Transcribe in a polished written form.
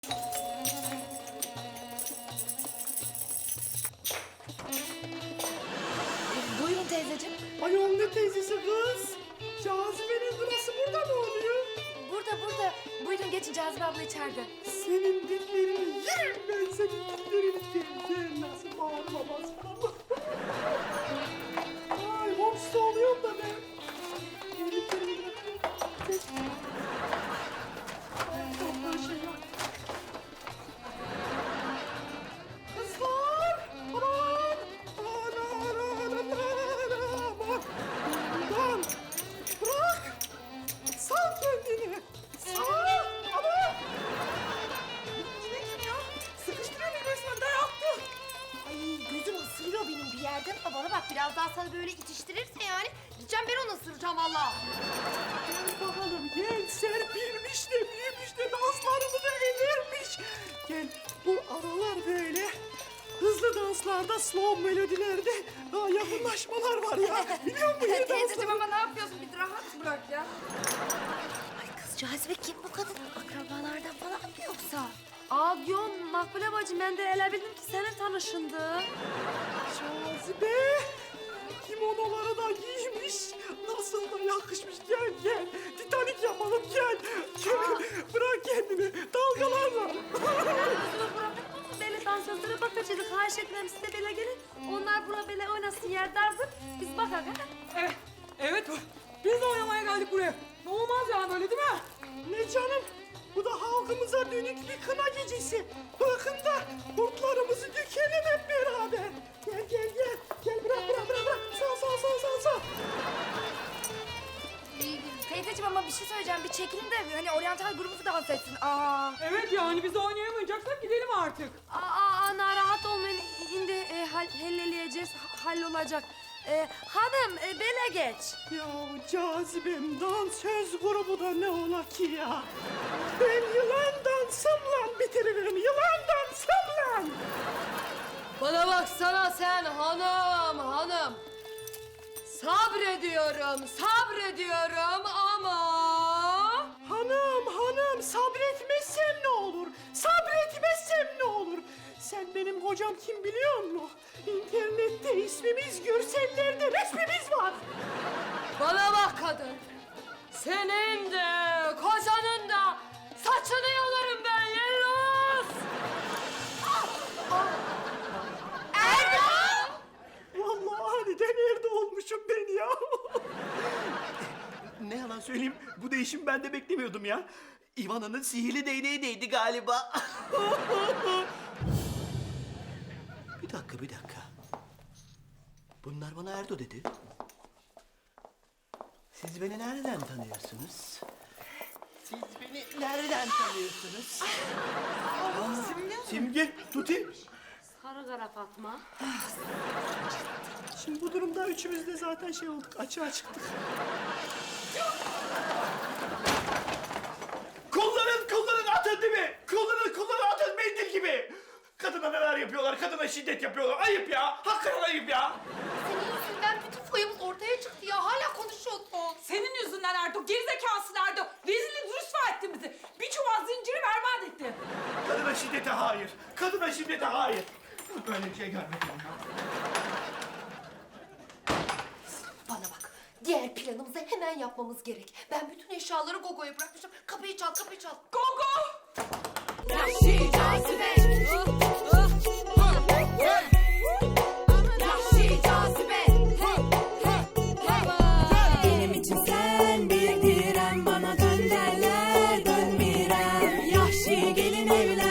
Buyurun teyzeciğim. Ayol ne teyzesi kız? Cazibe'nin burası burada mı oluyor? Burada. Buyurun geçin, Cazibe abla içeride. Senin dillerini yerim ben senin dillerini. Gel nasıl bağırma basma. Ay hopsta oluyorum da ben. Elliklerimi bırakıyorum. Ay çok şey yok. Kızlar! Aman! Aman! Bundan! Bırak! Sal kendini! Sal! Aman! Ne kim ya? Sıkıştırıyor beni resmen, dayattı. Ay gözüm ısırıyor benim bir yerden. Bana bak, biraz daha sana böyle itiştirirse yani gideceğim ben onu ısıracağım valla. Gel bakalım gel, serpilmiş de büyümüş de danslarını da edermiş. Gel, bu aralar böyle hızlı danslarda, slow melodilerde yakınlaşmalar var ya. Biliyor musun? Yeni Teyzeciğim danslar. ama ne yapıyorsun? Bir rahat bırak ya. Ay kız Cazibe kim bu kadın? Akrabalardan falan mı yoksa? Aa diyorum Makbule bacım, ben de ele bildim ki senin tanışındı. Cazibe, kimonoları da giymiş. Nasıl da yakışmış. Gel gel. Titanik yapalım gel. Gel. Bırak kendini. Dalgalarla. Özümü bıraktık mı? Böyle dansözlere bakacaktık. Ha şeklem siz de böyle gelin. Onlar bura böyle oynasın yer dardır. Biz bakak ha. Evet. Biz de oynamaya geldik buraya. Ne olmaz yani böyle değil mi? Ne canım? Bu da halkımıza dönük bir kına gecesi. Bakın da kurtlarımızı dökelim hep beraber. Gel gel gel. Gel bırak. Sağ. Teyzeciğim ama bir şey söyleyeceğim. Bir çekilin de hani oryantal grubu dans etsin. Aa. Evet yani biz oynayamayacaksak gidelim artık. Aa, narahat olmayın. Şimdi halleleyeceğiz. Hallolacak. Hanım, bele geç. Ya Cazibem, dansöz grubu da ne ola ki ya? Ben yılan dansımla bitiririm. Yılan dansımla. Bana baksana sen hanım. Sabrediyorum ama... Hanım, sabretmezsem ne olur? Sen benim kocam kim biliyor musun? İnternette ismimiz, görsellerde resmimiz var. Bana bak kadın. Senin de, kocanın da saçını yolarım ben Yelloz. Vallahi aniden nerede olmuşum ben ya. Ne yalan söyleyeyim, bu değişimi ben de beklemiyordum ya. Ivana'nın sihirli değneği değdi galiba. Bir dakika. Bunlar bana Erdo dedi. Siz beni nereden tanıyorsunuz? Simge, Tuti. Sarı kara Fatma. Şimdi bu durumda üçümüz de zaten şey olduk, açığa çıktık. Kullanın atın değil mi? Kullanın atın mendil gibi. Kadına neler yapıyorlar, kadına şiddet yapıyorlar. Ayıp ya, hakikaten ayıp ya. Senin yüzünden bütün foyamız ortaya çıktı ya. Hala konuşuyorsun. Senin yüzünden Erdo, gerizekâsın Erdo. Rezil rüsva ettin bizi. Bir çuval zinciri berbat ettin. Kadına şiddete hayır. Böyle bir şey görmedim ya. Bana bak. Diğer planımızı hemen yapmamız gerek. Ben bütün eşyaları Gogo'ya bırakmışım. Kapıyı çal. Gogo! Yahşi cazibe. Yahşi cazibe. Benim için sen bir direm, bana dön derler dönmirem. Yahşi gelin evlen.